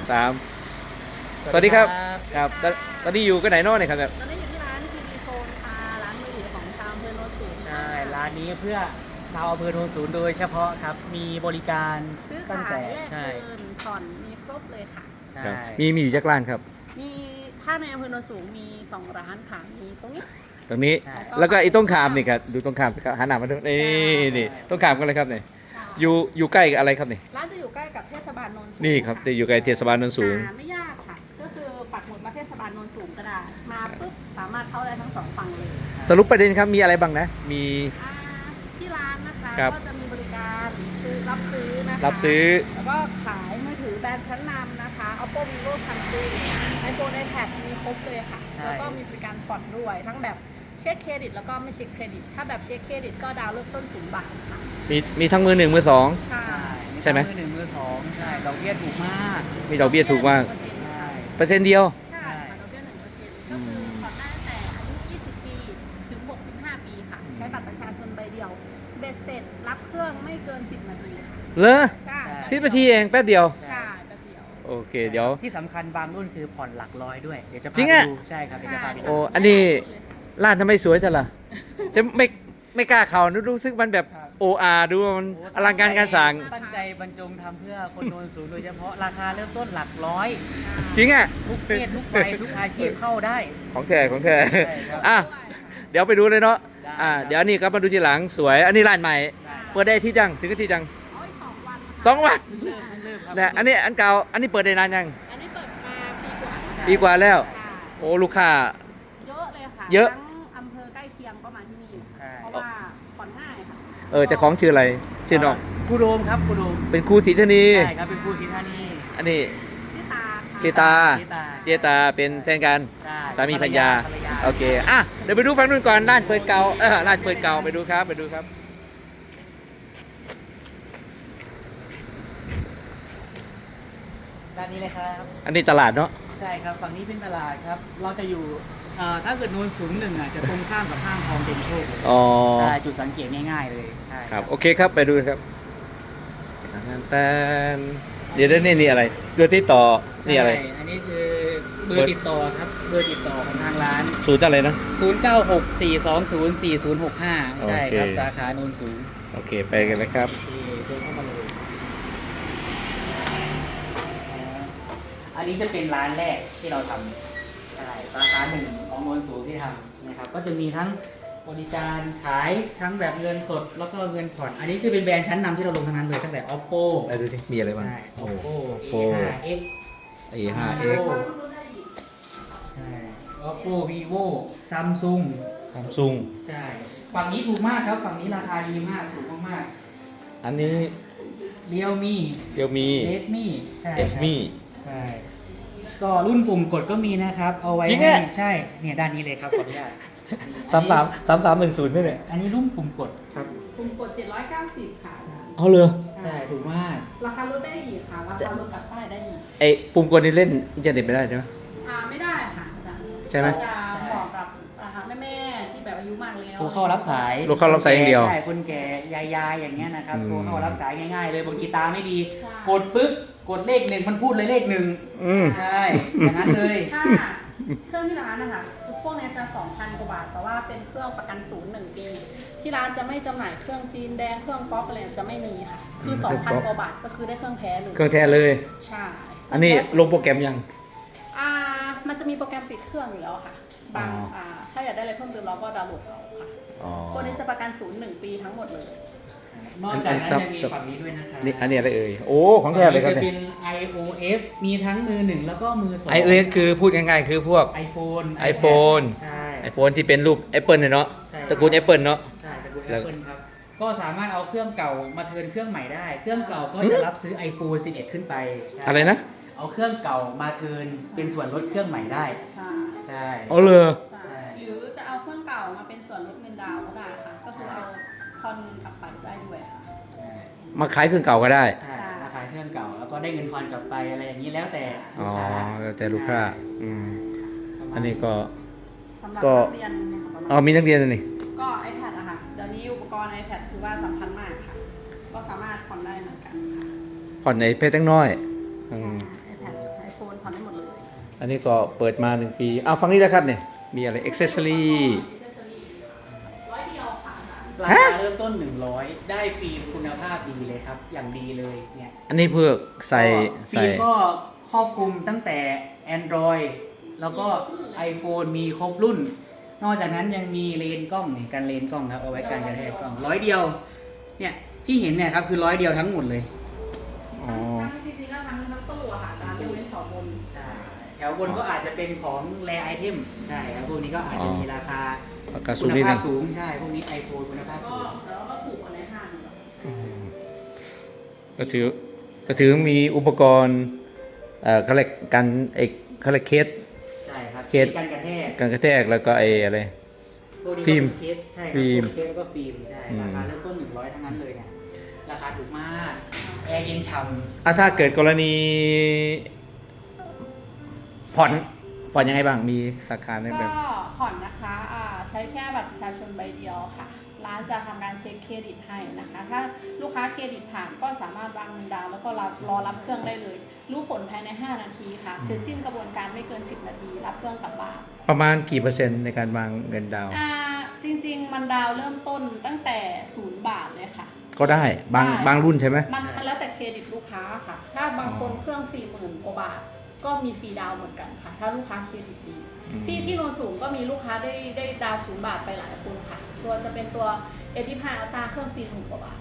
ตามสวัสดีครับครับตอนนี้อยู่กันไหนน้อเนี่ยครับแบบตอนนี้อยู่ที่ร้านทีวีโฟนค่ะร้านมือถือของชาวอำเภอโนนสูงใช่ร้านนี้เพื่อชาวอำเภอโนนสูงโดยเฉพาะครับมีบริการซื้อตั้งขายแต่แลกใช่เงินผ่อนมีครบเลยค่ะใช่ครับมีอยู่จักรร้านครับมีถ้าในอำเภอโนนสูงมี2ร้านค่ะมีตรงนี้ตรงนี้ใช่แล้วก็ไอ้ต้นขามนี่ครับดูต้นขามครับหันหน้ามาดูนี่ต้นขามกันเลยครับเนี่ยอยู่ใกล้กับอะไรครับนี่ร้านจะอยู่ใกล้กับเทศบาลโนนสูงนี่ครับจะอยู่ใกล้เทศบาลโนนสูงไม่ยากค่ะ ก็คือปักหมุดมาเทศบาลโนนสูงก็ได้มาปุ๊บสามารถเข้าได้ทั้ง2ฝั่งเลยสรุปประเด็นครับมีอะไรบ้างนะมีอ่าที่ร้านนะคะครับก็จะมีบริการรับซื้อนะคะรับซื้อแล้วก็ขายมือถือแบรนด์ชั้นนำนะคะ Oppo Vivo Samsung iPhone iPad มีครบเลยค่ะ แล้วก็มีบริการผ่อนด้วย ทั้งแบบเช็คเครดิตแล้วก็ไม่เช็คเครดิต ถ้าแบบเช็คเครดิตก็ดาวน์เริ่มต้น0 บาทค่ะมีทั้งมือหนึ่งมือสองใช่ใช่ไหมมือหนึ่งมือสองใช่ดอกเบี้ยถูกมากมีดอกเบี้ยถูกมาก 1% ใช่เปอร์เซ็นต์เดียวใช่ค่ะดอกเบี้ย 1%ก็คือผ่อนได้ตั้งแต่อายุ 20 ปีถึง 65 ปีค่ะ ใช้บัตรประชาชนใบเดียว เบ็ดเสร็จรับเครื่องไม่เกิน 10 นาทีค่ะเลอใช่ 10 นาทีเองแป๊บเดียวใช่แป๊บเดียวโอเคเดี๋ยวที่สำคัญบางรุ่นคือผ่อนหลักร้อยด้วยเดี๋ยวจะพาจริงไปอะดูใช่ครับเดี๋ยวจะพาไปโอ้ดูอันนี้ร้านทำไมสวยจังล่ะจะไม่กล้าเข้ารู้สึกมันแบบโออาดูว่ามันอลังการการสั่งตั้งใจบรรจงทำเพื่อคนโนนสูงโดยเฉพาะราคาเริ่มต้นหลักร้อยจริงอ่ะทุกเพศทุกวัยทุกอาชีพเข้าได้ของแท้ของแท้ใช่ครับอ่ะเดี๋ยวไปดูเลยเนาะได้เดี๋ยวนี่ก็มาดูทีหลังสวย อันนี้ร้านใหม่ได้เปิดได้ที่จังถึงที่จังเอาอีก2 วันนะคะ 2 วันเริ่มครับนะอันนี้อันเก่าอันนี้เปิดได้นานยังอันนี้เปิดมาปีกว่าปีกว่าแล้วค่ะโอ้ลูกค้าเยอะเลยค่ะเยอะทั้งอำเภอใกล้เคียงก็มาที่นี่ใช่เพราะว่าผ่อนง่ายค่ะเจ้าของชื่ออะไรชื่อน้องครูโดมครับครูโดมเป็นครูศรีธนีใช่ครับเป็นครูศรีธานีอันนี้ชื่อตาค่ะชื่อตาชื่อตาเจตาเป็นแฟนกันใช่สามีภรรยาภรรยาโอเคอ่ะเดี๋ยวไปดูฝั่งนู้นก่อนร้านเปิดเก่าร้านเปิดเก่าไปดูครับไปดูครับด้านนี้เลยครับอันนี้ตลาดเนาะใช่ครับฝั่งนี้เป็นตลาดครับ เราจะอยู่ถ้าเกิดโนนสูงหนึ่งอ่ะจะตรงข้ามกับห้างทองเต็มโชคเลยอ๋อใช่จุดสังเกตง่ายๆเลยใช่ครับโอเคครับไปดูครับแต่เดี๋ยวนี่อะไรเกลือที่ต่อนี่อะไรใช่อันนี้คือเบอร์ติดต่อครับเบอร์ติดต่อของทางร้านสูตรอะไรนะ 0964204065 ใช่ครับโอเคสาขาโนนสูงโอเคไปกันเลยครับโอเคเชิญเข้ามาเลยอันนี้จะเป็นร้านแรกที่เราทำใช่สาขาหนึ่งของโนนสูงที่ทำนะครับก็จะมีทั้งบริการขายทั้งแบบเงินสดแล้วก็เงินผ่อนอันนี้คือเป็นแบรนด์ชั้นนำที่เราลงทั้งนั้นเลยตั้งแต่ Oppo ไปดูที่มีอะไรบ้างใช่ Oppo Oppo A5X A5X ใช่ Oppo Vivo Samsung Samsung ใช่ฝั่งนี้ถูกมากครับฝั่งนี้ราคาดีมากถูกมากอันนี้ๆ Realme เดี๋ยวมี Redmi ใช่ครับ Redmi ใช่ก็รุ่นปุ่มกดก็มีนะครับ เอาไว้จริงให้อะใช่เนี่ยด้านนี้เลยครับขออนุญาต 3310นี่เนี่ยอันนี้รุ่นปุ่มกดครับกลุ่มกด790 ค่ะเอาเลยใช่ถูกมากราคาลดได้อีกค่ะ ราคาลดตัดใต้ได้อีกไอ้ปุ่มกดนี่เล่นอินเทอร์เน็ตไม่ได้ใช่ไหมไม่ได้ค่ะอาจารย์ใช่ไหมจะเหมาะกับแม่ๆที่แบบอายุมากแล้วโทรเข้ารับสายโทรเข้ารับสายอย่างเดียวใช่คนแก่ยายๆอย่างเงี้ยนะครับอืมโทรเข้ารับสายง่ายๆเลยบางทีตาไม่ดี กดปึ๊บกดเลขหนึ่งมันพูดเลยเลขหนึ่งอืมใช่อย่างนั้นเลยถ้าเครื่องที่ร้านนะคะพวกเนี้ยจะ 2,000 กว่าบาท แต่ว่าเป็นเครื่องประกันศูนย์1 ปี ที่ร้านจะไม่จำหน่ายเครื่องจีนแดงเครื่องก๊อกอะไรจะไม่มีค่ะ คือ 2,000 กว่าบาทก็คือได้เครื่องแท้เลยเครื่องแท้เลยใช่อันนี้ลงโปรแกรมยังมันจะมีโปรแกรมปิดเครื่องอยู่แล้วค่ะบางอ๋อถ้าอยากได้อะไรเพิ่มเติมเราก็ดาวน์โหลดเอาค่ะอ๋อพวกนี้จะประกันศูนย์1 ปีทั้งหมดเลยนอกจากนั้นยังมีฝั่งนี้ด้วยนะครับนี่อันนี้อะไรเอ่ยโอ้ของแท้เลยครับจะเนี่เป็ยน iOS มีทั้งมือหนึ่งแล้วก็มือสอง iOS คือพูดง่ายๆ คือพวก iPhone iPhone ใช่ iPhone ที่เป็นรูป Apple เนี่ยเนาะใช่ตระกูล Apple เนาะใช่ตระกูลแล้ว Apple ครับ ก็สามารถเอาเครื่องเก่ามาเทิร์นเครื่องใหม่ได้ เครื่องเก่าก็จะรับซื้อ iPhone 11 ขึ้นไปใช่อะไรนะเอาเครื่องเก่ามาเทิร์นเป็นส่วนลดเครื่องใหม่ได้ ใช่เอาเลยใช่หรือจะเอาเครื่องเก่ามาเป็นส่วนลดเงินดาวน์ก็ได้ค่ะ ก็คือเอาทอนเงินกลับไปได้ด้วยค่ะใช่มาขายเครื่องเก่าก็ได้ใช่มาขายเครื่องเก่าแล้วก็ได้เงินทอนกลับไปอะไรอย่างนี้แล้วแต่อ๋ลูอกค้าแล้วแต่ลูกค้าอืมประมาณอันนี้ก็สำหรับก็นักเรียนนะคะประมาณมีนักเรียนอันนี่ก็ iPad อะค่ะ เดี๋ยวนี้อุปกรณ์ iPad ถือว่าสำคัญมากค่ะ ก็สามารถผ่อนได้เหมือนกันค่ะผ่อนในเพชรตั้งน้อยอืม iPad อันนี้ก็เปิดมา1 ปีเอาฟังนี้แล้วครับเนี่ยมีอะไรอ็อกเซสซอรี่ 100 เดียวค่ะราคาเริ่มต้น 100 ได้ฟิล์มคุณภาพดีเลยครับ อย่างดีเลยเนี่ยอันนี้เพื่อใส่ฟิล์มก็ครอบคลุมตั้งแต่ Android แล้วก็ iPhone มีครบรุ่น นอกจากนั้นยังมีเลนส์กล้องนี่กันเลนส์กล้องครับเอาไว้กันกระแทกกล้อง100 เดียวเนี่ยที่เห็นเนี่ยครับคือ100 เดียวทั้งหมดเลยอ๋อจริงๆแล้วทั้งตู้อะค่ะการยกเว้นแถวบนใช่แถวบนก็อาจจะเป็นของแรไอเทมใช่ครับพวกนี้ก็อาจจะมีราคาราคาสูคุงณนิดนึภาง พสูงใช่พวกนี้ iPhone คุณภาพก็สูงแล้วก็ถูกกว่าในห้างอืมก็ถือมีอุปกรณ์เขาเรียกกันเขาเรียกเคสใช่ครับเคสกันกระแทกกันกระแทกแล้วก็อะไรพวกนี้ก็ฟิล์มเป็นเคสใช่ครับฟิล์มพวกเคสแล้วก็ฟิล์มใช่อืมราคาเริ่มต้น100ทั้งนั้นเลยเนี่ยราคาถูกมากแอร์เย็นฉ่ำถ้าเกิดกรณีผ่อนยังไงบ้างมีสาขาในแบก็บผ่อนนะคะใช้แค่บัตรประชาชนใบเดียวค่ะ ร้านจะทำการเช็คเครดิตให้นะคะ ถ้าลูกค้าเครดิตผ่านก็สามารถวางเงินดาวน์แล้วก็รอรับเครื่องได้เลย รู้ผลภายใน 5 นาทีค่ะ เสร็จสิ้นกระบวนการไม่เกิน 10 นาที รับเครื่องกลับบ้านประมาณกี่เปอร์เซ็นต์ในการวางเงินดาวน์จริงๆ มันดาวน์เริ่มต้นตั้งแต่0 บาทเลยค่ะก็ได้บางรุ่นใช่ไหมมันแล้วแต่เครดิตลูกค้าค่ะ ถ้าบางคนเครื่อง 40,000 กว่าบาท ก็มีฟรีดาวน์เหมือนกันค่ะ ถ้าลูกค้าเครดิตดี ที่โนนสูงก็มีลูกค้าได้ดาวน์0 บาทไปหลายคนค่ะ ตัวจะเป็นตัว A15 Ultra เครื่อง 40,000 กว่าบาท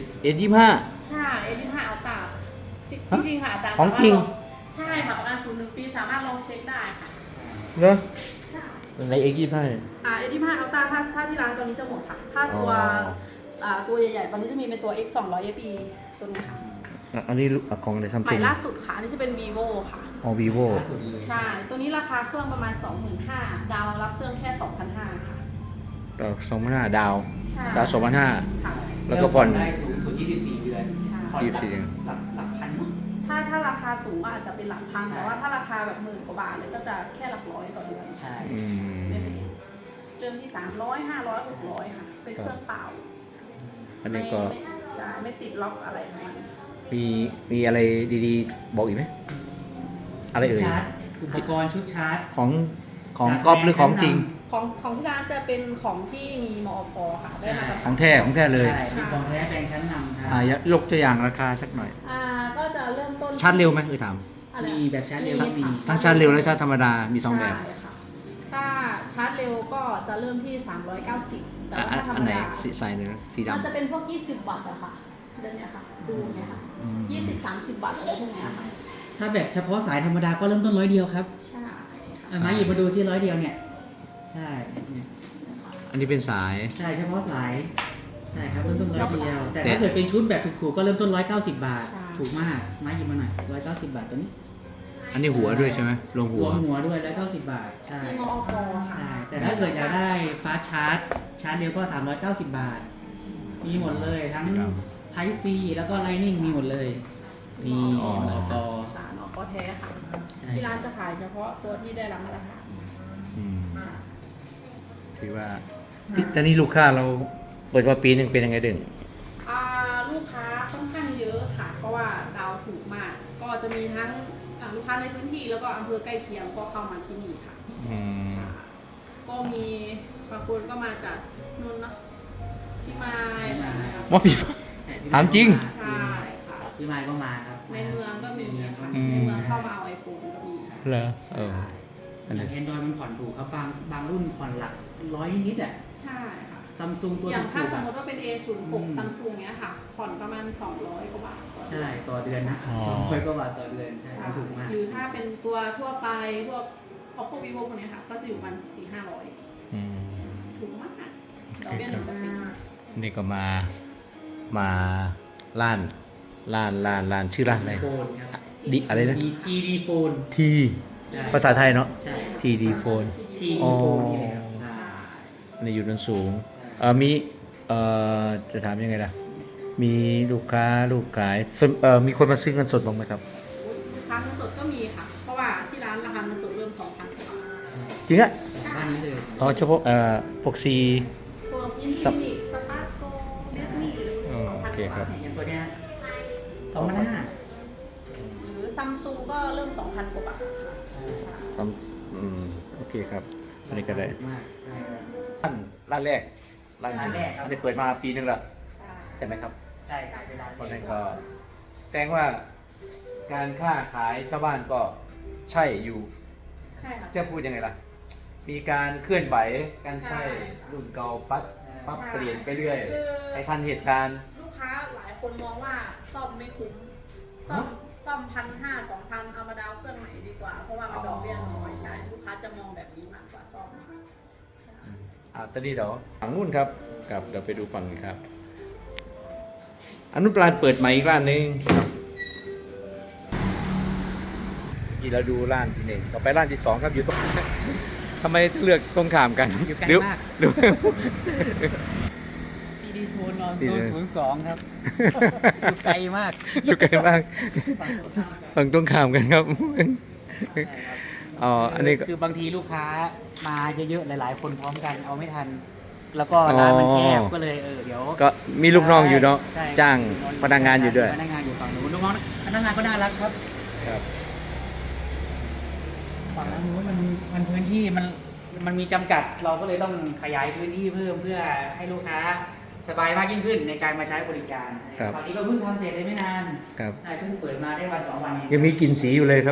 S25 ใช่ A15 Ultra จริงๆค่ะอาจารย์ของจริงใช่ค่ะประกันศูนย์1 ปีสามารถลองเช็คได้ค่ะเหรอใช่ใน X25 A15 Ultra ถ้าที่ร้านตัวนี้จะหมดค่ะ ถ้าตัวใหญ่ๆ ตอนนี้จะมีเป็นตัว X 200 FE ตัวนี้ค่ะอันนี้ของในซัมใหซุม่งล่าสุดค่ะ อันนี้จะเป็น vivo ค่ะอ๋อ vivo ล่าสุดเลยใช่ ตัวนี้ราคาเครื่องประมาณ 25,000 ดาวรับเครื่องแค่ 2,500 ค่ะดาว2,500ดาวใช่ดาว2,500 ค่ะแล้วก็ผ่อนได้สูงสุด 24 เดือนใช่ผ่อน 24เดือนหลักพันมั้งถ้าราคาสูงก็อาจจะเป็นหลักพันใช่แต่ว่าถ้าราคาแบบ10,000 กว่าบาทเลยก็จะแค่หลักร้อยต่อเดือนใช่อืมไม่เป็นเริ่มที่ 300 500 600 ค่ะ เป็นเครื่องเปล่าอันนี้ก็ใช่ไม่ติดล็อกอะไรทั้งนั้นมีอะไรดีๆ บอกอีกไหมอะไรเอ่ยชาร์จอุปกรณ์ชุดชาร์จของก๊อฟหรือของจริงของที่ร้านจะเป็นของที่มีมอกค่ะ ได้มาตรขฐาอน งแท้เลยใช่มีของแท้แบรนด์ชั้นนำครับยกตัวอย่างราคาสักหน่อยก็จะเริ่มต้นชาร์จเร็วไหมถามอะไรมีแบบชาร์จเร็วก็มีทั้งชาร์จเร็วและชาร์จธรรมดามี2แบบใช่ค่ะถ้าชาร์จเร็วก็จะเริ่มที่ 390 แต่ว่าถ้าธรรอัมนไหนดาใส่เลยนะสีมันจะดำเป็นพวก 20 วัตต์อะค่ะเดือนเนี้ยค่ะ ดูเนี่ยค่ะอืม 20-30 วัตต์อะไรพวกเนี้ยค่ะถ้าแบบเฉพาะสายธรรมดาก็เริ่มต้น100 เดียวครับใช่มาหยิบมาดูที่100 เดียวเนี่ย ใช่เนี่ยอันนี้เป็นสายใช่เฉพาะสายใช่ครับเริ่มต้น100 เดียว แต่แต่ถ้าเกิดเป็นชุดแบบถูกๆก็เริ่มต้น190 บาทใช่ถูกมากมาหยิบมาหน่อย190 บาทตัวนี้อันนี้หัวด้วยใช่ไหมลงรหัววมหัวด้วย190 บาท ใช่มีมอกค่ะใช่ แต่ถ้าเกิดอยากได้ฟาสชาร์จ ชาร์จเร็วก็ 390 บาท มีหมดเลยทั้ง Type C แล้วก็ Lightning มีหมดเลยมีอ๋อมอกใช่มอกแท้ค่ะใช่ที่ร้านจะขายเฉพาะตัวที่ได้รับมาตรฐานอืมถือว่าตอนนี้ลูกค้าเราเปิดมาปีหนึ่งเป็นยังไงดึงลูกค้าค่อนข้างเยอะค่ะ เพราะว่าดาวถูกมาก ก็จะมีทั้งลูกค้าในพื้นที่แล้วก็อำเภอใกล้เคียงก็เข้ามาที่นี่ค่ะอืมก็มีบางคนก็มาจากนู่นเนอะที่มายอะไรอย่างเงี้ยค่ะว่าพี่ ถามจริงใช่ค่ะพี่ไมค์ก็มาครับในเมืองก็มีค่ะอืมในเมืองเข้ามาเอาไอโฟนก็มีเหรออันอนี้ย่าง Android มันผ่อนถูกครับบางรุ่นผ่อนหลัก100 นิดอ่ะใช่ค่ะซัมซุงตัวอย่างถูถ้าก สมๆมอะติว่าเป็น A06 ซัมซุงเนี้ยค่ะ ผ่อนประมาณ 200 กว่าบาทต่อเดืใช่อนต่อเดือนนะครับ200 กว่าบาทต่อเดือนใช่มันถูกมากหรือถ้าเป็นตัวทั่วไปพวก Oppo Vivo พวกเนี้ยค่ะ ก็จะอยู่ประมาณ400-500 อืมถูกมากดอกเบี้ย1% นี่ก็มาร้านชื่อร้านอะไรโฟนครับดิอะไรนะมี TD โฟนทีใช่ภาษาไทยเนาะใช่ TD Phone TD อ๋อโฟนนี่เลยครับใช่ในอยู่นนสูงใช่มีจะถามยังไงล่ะ มีลูกค้าลูกขายมีคนมาซื้อเงินสดบ้างไหมครับราคาเงินสดก็มีค่ะ เพราะว่าที่ร้านราคาเงินสดเริ่ม 2,000 กว่าบาทจริงอะบ้านนี้เลยอ๋อเฉพาะพวกซีพวกอินสัฟิบนิกสปาร์โกเรดมี่อ๋อโอเค 2,000 กว่าครับบาทอย่างตัวเนี้ย2,500 หรือซัมซุงก็เริ่ม 2,000 กว่าบาทซ้โอเคครับ อันนี้ก็ได้มากใช่ครับร้านแรกร้านแรกครับอันนี้เปิดมาปีนึงแล้วใช่ไหมครับใช่ครับเวลาเพราะเด็นั้นกก็แสดงว่าการค้าขายชาวบ้านก็ใช่อยู่ใช่ค่ะจะพูดยังไงล่ะ มีการเคลื่อนไหวการใช้ใช่รุ่นเก่าปรับใช่เปลี่ยนไปเรื่อยคือให้ทันเหตุการณ์ลูกค้าหลายคนมองว่าซ่อมไม่คุ้ม ซ่อม1,500-2,000เอามาดาวน์เครื่องใหม่ดีกว่า เพราะว่ามันดอกเบี้ยน้อยใช่ลูกค้าจะมองแบบนี้มากกว่าซ่อมตอนนี้เดี๋ยวฝั่งนู้นครับกับเดี๋ยวไปดูฝั่งนี้ครับอันนู้นปลานเปิดใหม่อีกร้านหนึงที่เราดูร้านที่หนึ่งต่อไปร้านที่สองครับอยู่ตรง ทำไมเลือกตรงข้ามกันอยู่ใกล้เดี๋ยวมากเดี๋ยวซีดีโฟนนอนที่โซไหนน02 ครับ อยู่ไกลมากอยู่ไกลมากฝั่งตรงข้ามกันฝั่งตรงข้ามกันครับใช่ครับอ๋ออันนี้ก็คือบางทีลูกค้ามาเยอะๆ หลายๆ คนพร้อมกันเอาไม่ทัน แล้วก็ร้านมันแคบอ๋อก็เลยเดี๋ยวก็มีลูกน้องอยู่เนาะใช่จ้างพนักงานอยู่ด้วยพนักงานอยู่ฝั่งนู้นลูกน้องพนักงานก็น่ารักครับครับฝั่งนู้นมันพื้นที่มันมีจำกัดเราก็เลยต้องขยายพื้นที่เพิ่มเพื่อให้ลูกค้าสบายมากยิ่งขึ้นในการมาใช้บริการครับตอนนี้ก็เพิ่งทำเสร็จเลยไม่นานครับใช่เพิ่งเปิดมาได้วัน2 วันเองยังมีกลิ่นสีอยู่เลยครับ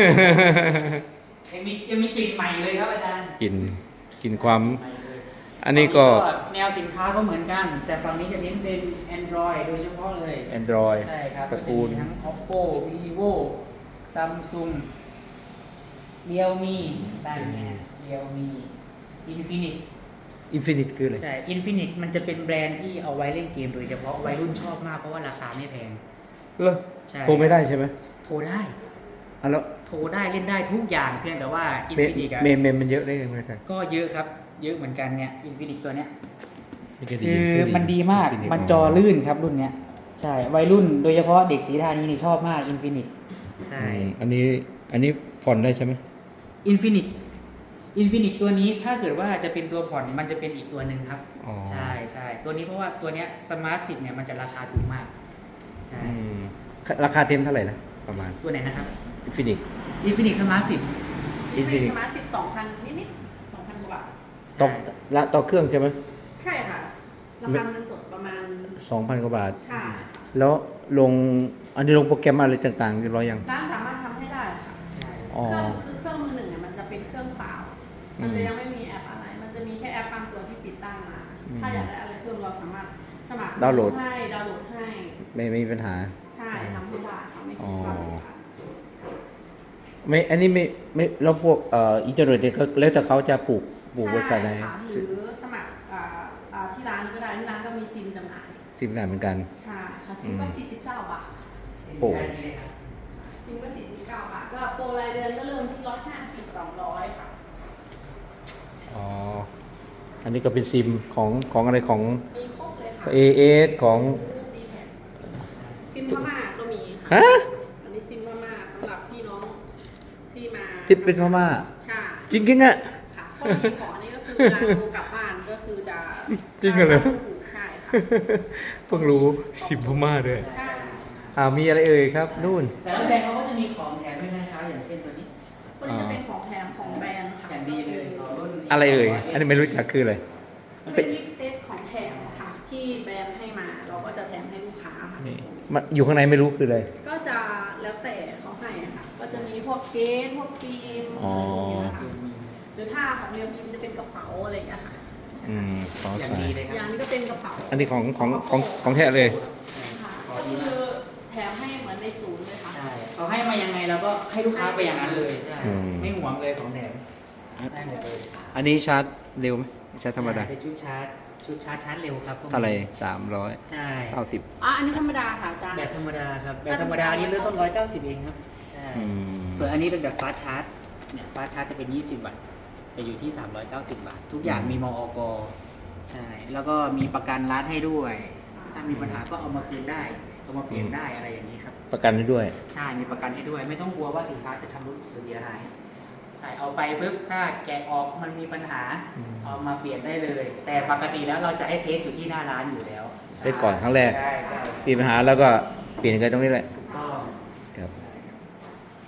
ยังมีกลิ่นใหม่เลยครับอาจารย์กลิ่นความใหม่เลยอันนี้ก็แนวสินค้าก็เหมือนกัน แต่ฝั่งนี้จะเน้นเป็น Android โดยเฉพาะเลย Android ใช่ครับตระกูลก็จมีทั้ง Oppo Vivo Samsung Realme ได้ไหม Realme Infinix Infinite คืออะไรใช่ Infinix มันจะเป็นแบรนด์ที่เอาไว้เล่นเกมโดยเฉพาะวัยรุ่นชอบมากเพราะว่าราคาไม่แพงเหรอใช่โทรไม่ได้ใช่ไหมโทรได้อ่ะแล้วโทรได้เล่นได้ทุกอย่างเพียงแต่ว่าเม Infinix อะเมมเมมมันเยอะได้ยังไงครับก็เยอะครับ เยอะเหมือนกันเนี่ย Infinix ตัวเนี้ยนี่ก็ดีคือมันดีมาก Infinite มันจอลื่นครับรุ่นเนี้ย ใช่ วัยรุ่นโดยเฉพาะเด็กสีทานีนี่ชอบมาก Infinix ใช่อันนี้ผ่อนได้ใช่ไหม Infinix ตัวนี้ถ้าเกิดว่าจะเป็นตัวผ่อนมันจะเป็นอีกตัวหนึ่งครับอ๋อใช่ใช่ตัวนี้เพราะว่าตัวเนี้ย Smart 10เนี่ยมันจะราคาถูกมาก ใช่ราคาเต็มเท่าไหร่นะประมาณตัวไหนนะครับ Infinix Infinix Smart 10 Infinix สมาร์ท12,000 นิดๆ 2,000 กว่าบาทต่อเครื่องใช่ไหมใช่ค่ะ ราคาเงินสดประมาณ 2,000 กว่าบาทใช่แล้วอันนี้ลงโปรแกรมอะไรต่างๆเรียบร้อยยังร้านสามารถทำให้ได้ค่ะใช่อ๋อเครื่องมือหนึ่งเนี่ยมันจะเป็นเครื่องเปล่า มันจะยังไม่มีแอปอะไร มันจะมีแค่แอปบางตัวที่ติดตั้งมา ถ้าอยากได้อะไรเพิ่มเราสามารถสมัครดาวน์โหลดให้ดาวน์โหลดให้ไม่มีปัญหาใช่ทำให้ได้ค่ะไม่อ๋คิอดว่าเป็นการไม่อันนี้ไม่แล้วพวกอินเทอร์เน็ตเนี่ยก็แล้วแต่เขาจะผูกบริษัทไหนใช่ค่ะหรือสมัครที่ร้านก็ได้ที่ร้านก็มีซิมจำหน่ายสิบงานเหมือนกันใช่ค่ะซิมก็ 49 บาทโอ้ซิมก็ 49 บาท ก็โปรรายเดือนก็เริ่มที่150 200 ค่ะอ๋อ อันนี้ก็เป็นซิมของอะไรของมีครบเลยค่ะ AS ของซิมพม่าก็มีฮะค่ะอันนี้ซิมพม่าสำหรับพี่น้องที่มาที่เป็นพม่าใช่จริงจริงๆอะค่ะข้อดีของอันนี้ก็คือเวลาโทรกลับบ้านก็คือจะจริงเหรอใช่ค่ะเพิ่งรู้ซิมพม่าด้วยใช่มีอะไรเอ่ยครับนู่นแต่ละแบรนด์เขาก็จะมีของแถมด้วยนะครับอย่างเช่นตัวนี้ตัวนี้จะเป็นของแถมของแบรนด์ค่ะอย่างดีเลยของรุ่นอะไรเอ่ย อันนี้ไม่รู้จักคืออะไรจะเป็นมิกเซตของแถมค่ะที่แบรนด์ให้มาเราก็จะแถมให้ลูกค้าค่ะนี่มันอยู่ข้างในไม่รู้คืออะไรก็จะแล้วแต่เขาให้อะค่ะ ก็จะมีพวกเคสพวกฟิล์มอ๋ออะไรพวกเนี้ยค่ะหรือถ้าของเรียวมีมันจะเป็นกระเป๋าอะไรอย่างเงี้ยค่ะขออย่างสาดียเลยคอรัย่าบงนี้ก็เป็นกระเป๋าอันนี้ของแท้เลยค่ะก็คือแถมให้เหมือนในศูนย์เลยค่ะใช่เขาให้มายังไงเราก็ให้ลูกค้าไปอย่างนั้นเลยใช่อืมไม่หวงเลยของแถมได้หมดเลยอันนี้ชาร์จเร็วไหมชาร์จธรรมดาเป็นชุดชาร์จเร็วครับพวกนี้เท่าไหร่ใช่ 390 อันนี้ธรรมดาค่ะอาจารย์แบบธรรมดาครับแบบธรรมดานี่เริ่มต้น190เองครับใช่อืมส่วนอันนี้เป็นแบบฟาสต์ชาร์จเนี่ยฟาสต์ชาร์จจะเป็น20 วัตต์จะอยู่ที่390 บาท ทุกอย่างมีมอกใช่แล้วก็มีประกันร้านให้ด้วย ถ้ามีปัญหาก็เอามาคืนได้เอามาเปลี่ยนได้อะไรอย่างนี้ครับประกันให้ด้วยใช่ มีประกันให้ด้วย ไม่ต้องกลัวว่าสินค้าจะชำรุดหรือเสียหาย ใช่ เอาไปปุ๊บ ถ้าแกะออกมันมีปัญหาอืมเอามาเปลี่ยนได้เลย แต่ปกติแล้วเราจะให้เทสอยู่ที่หน้าร้านอยู่แล้วเทสก่อนครั้งแรกใช่ใช่มีปัญหาแล้วก็เปลี่ยนกันตรงนี้แหละถูกต้องครับ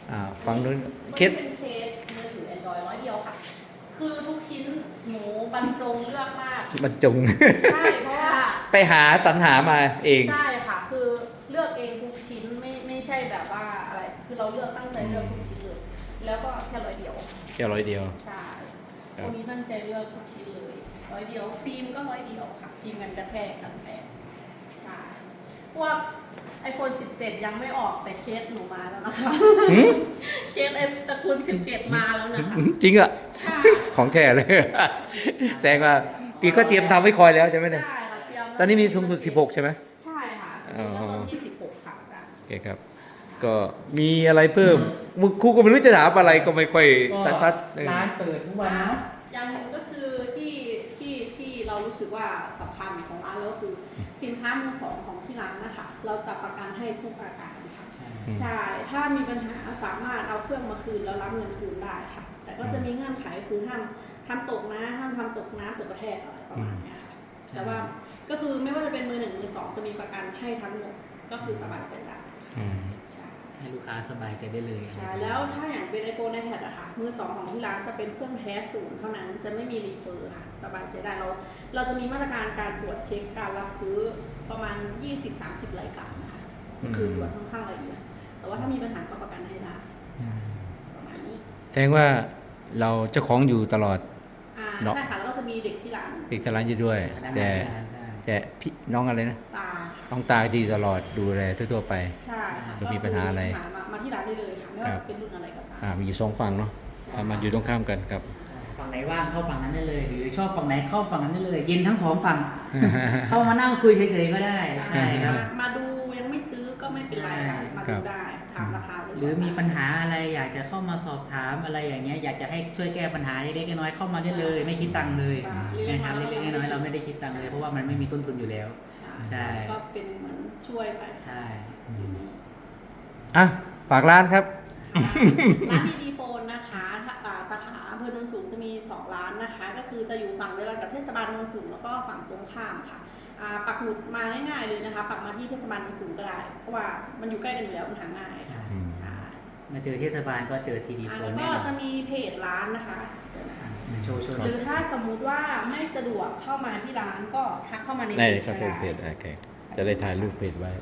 ฟังนู้นเคสเป็นเคสมือถือ Android ร้อยเดียวค่ะ คือทุกชิ้นหนูบรรจงเลือกมากบรรจงใช่เพราะว่าไปหาสรรหามาเองใช่ค่ะ คือเลือกเองทุกชิ้นไม่ใช่แบบว่าอะไร คือเราเลือกตั้งใจเลือกทุกชิ้นเลย แล้วก็แค่ร้อยเดียวแค่ร้อยเดียวใช่ครับตรงนี้ตั้งใจเลือกทุกชิ้นเลยร้อยเดียว ฟิล์มก็ร้อยเดียวค่ะ ฟิล์มกันกระแทกกันแตกใช่พวก iPhone 17 ยังไม่ออกแต่เคสหนูมาแล้วนะคะ เคสไอตระกูล17 มาแล้วนะคะจริงอ่ะใช่ของแท้เลย แต่ว่าปีก็เตรียมทำไว้คอยแล้วใช่ไหมเนี่ยใช่ค่ะเตรียมตอนนี้มีสูงสุด 16 ใช่ไหมใช่ค่ะอ๋อแล้วก็ที่16ค่ะอาจารย์โอเคครับ ก็มีอะไรเพิ่มมึงครูก็ไม่รู้จะถามอะไรก็ไม่ค่อยก็สันทัดร้านเปิดทุกวันเนาะอย่างหนึ่งก็คือที่เรารู้สึกว่าสำคัญของร้านแล้วคือสินค้ามือสองของที่ร้านนะคะ เราจะประกันให้ทุกอาการค่ะ ใช่ ถ้ามีปัญหาสามารถเอาเครื่องมาคืนแล้วรับเงินคืนได้ค่ะ แต่ก็จะมีเงื่อนไขคือห้ามทำตกนะห้ามทำตกน้ำตกกระแทกอะไรประมาณเนี้ยค่ะ แต่ว่าก็คือไม่ว่าจะเป็นมือหนึ่งมือสองจะมีประกันให้ทั้งหมดก็คือสบายใจได้อืมใช่ให้ลูกค้าสบายใจได้เลยใช่แล้วถ้าอย่างเป็น iPhone iPad อะค่ะมือสองของที่ร้านจะเป็นเครื่องแท้ศูนย์เท่านั้นจะไม่มีรีเฟอร์ค่ะสบายใจได้เราจะมีมาตรการการตรวจเช็คการรับซื้อประมาณ 20-30 รายการนะคะก็คือตรวจค่อนข้างละเอียดแต่ว่าถ้ามีปัญหาก็ประกันให้ได้ประมาณนี้แสดงว่าเราเจ้าของอยู่ตลอด เนาะใช่ค่ะแล้วก็จะมีเด็กที่ร้านอีกทร้านอยู่ด้วยพนักแต่งานใช่แต่พี่น้องอะไรนะตาต้องตาดีตลอดดูแลทั่วๆไปใช่ค่ะแล้วมีปัญหาอะไรมาที่ร้านได้เลยค่ะไม่ว่าจะเป็นรุ่นอะไรก็ตามมีอยู่สองฝั่งเนาะสามารถอยู่ตรงข้ามกันครับฝั่งไหนว่างเข้าฝั่งนั้นได้เลย หรือชอบฝั่งไหนเข้าฝั่งนั้นได้เลย เย็นทั้งสองฝั่ง เข้ามานั่งคุยเฉยๆก็ได้ใช่ครับมาดูยังไม่ซื้อก็ไม่เป็นไรค่ะมาดูได้ถามราคาไว้ก่นหรือมีปัญหาอะไรอยากจะเข้ามาสอบถามอะไรอย่างเงี้ยอยากจะให้ช่วยแก้ปัญหาเล็กๆน้อยๆเข้ามาได้เลย ไม่คิดตังค์เลยนะครับเล็กๆน้อยๆเราไม่ได้คิดตังค์เลยเพราะว่ามันไม่มีต้นทุนอยู่แล้ว ใช่ก็เป็นเหมือนช่วยไปใช่อ่ะ ฝากร้านครับร้านดีโฟนนะคะสาขาอำเภอโนนสูงจะมี 2 ร้านนะคะ ก็คือจะอยู่ฝั่งเดียวกันกับเทศบาลโนนสูงแล้วก็ฝั่งตรงข้ามค่ะปักหมุดมาง่ายๆเลยนะคะ ปักมาที่เทศบาลโนนสูงก็ได้ เพราะว่ามันอยู่ใกล้กันอยู่แล้วมันหาง่ายค่ะอืมใช่มาเจอเทศบาลก็เจอทีดีโฟแล้วนก็แน่นอนจะมีเพจร้านนะคะโชว์หรือถ้าสมมุติว่าไม่สะดวกเข้ามาที่ร้านก็ทักเข้ามาในได้เพจครับก็เพจได้โอเคจะได้ถ่ายรูปเพจไว้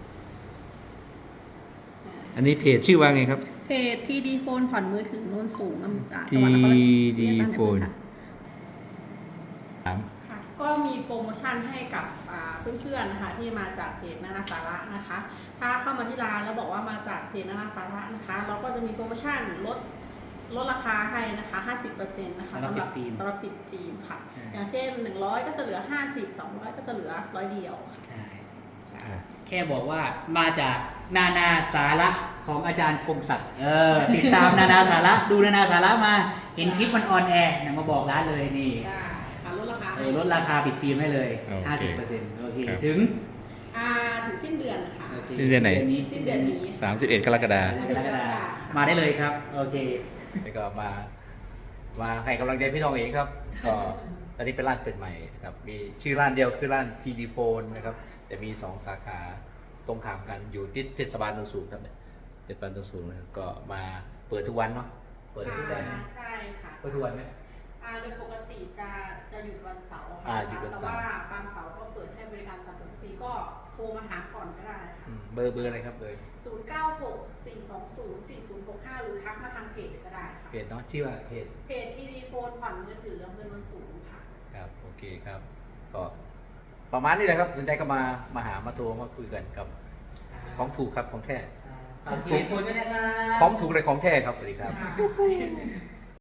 อันนี้เพจชื่อว่าไงครับเพจ TD Phone ผ่อนมือถือโนนสูงจังหวัดนครราช TD สีมา Phone ถามค่ะก็มีโปรโมชั่นให้กับเพื่อนๆนะคะที่มาจากเพจนานาสาระนะคะ ถ้าเข้ามาที่ร้านแล้วบอกว่ามาจากเพจนานาสาระนะคะ เราก็จะมีโปรโมชั่นลดราคาให้นะคะ 50% นะคะสำหรับปิดฟิล์มค่ะ อย่างเช่น 100 ก็จะเหลือ 50 200 ก็จะเหลือ100เดียวค่ะใช่ใช่แค่บอกว่ามาจากนานาสาระของอาจารย์พงศักดิ์ติดตามนานาสาระดูนานาสาระมาเห็นคลิปมันออนแอร์มาบอกร้านเลยนี่ได้ค่ะลดราคาลดราคาปิดฟิล์มให้เลยโอเค 50%โอเคครับถึงถึงสิ้นเดือนค่ะโอเคสิ้นเดือนไหนสิ้นเดือนนี้ 31 กรกฎาคมกรกฎาคมมาได้เลยครับ โอเคแล้วก็มาให้กำลังใจพี่น้องเองครับ ก็ตอนนี้เป็นร้านเปิดใหม่ครับ มีชื่อร้านเดียวคือร้าน TD Phone นะครับ แต่มี 2 สาขาตรงข้ามกันอยู่ที่เทศบาลโนนสูงครับเนี่ยเทศบาลโนนสูงนะครับก็มาเปิดทุกวันเนาะ เปิดทุกวันใช่ค่ะเปิดทุกวันไหมโดยปกติจะหยุดวันเสาร์อ่าค่ะหยุดวันแต่เสาร์ว่าบางเสาร์ก็เปิดให้บริการตามปกติก็โทรมาถามก่อนก็ได้ค่ะเบอร์อะไรครับเบอร์ 0964204065 หรือทักมาทางเพจก็ได้ค่ะเพจเนาะชื่อว่าเพจเพจทีดีโฟนผ่อนมือถืออำเภอโนนสูงค่ะครับ โอเคครับ ก็ประมาณนี้แหละครับสนใจก็มาหามาโทรมาคุยกันครับ ของถูกครับของแท้ฝากทีดีโฟนด้วยนะครับของถูกเลยของแท้ครับสวัสดีครับค่ะ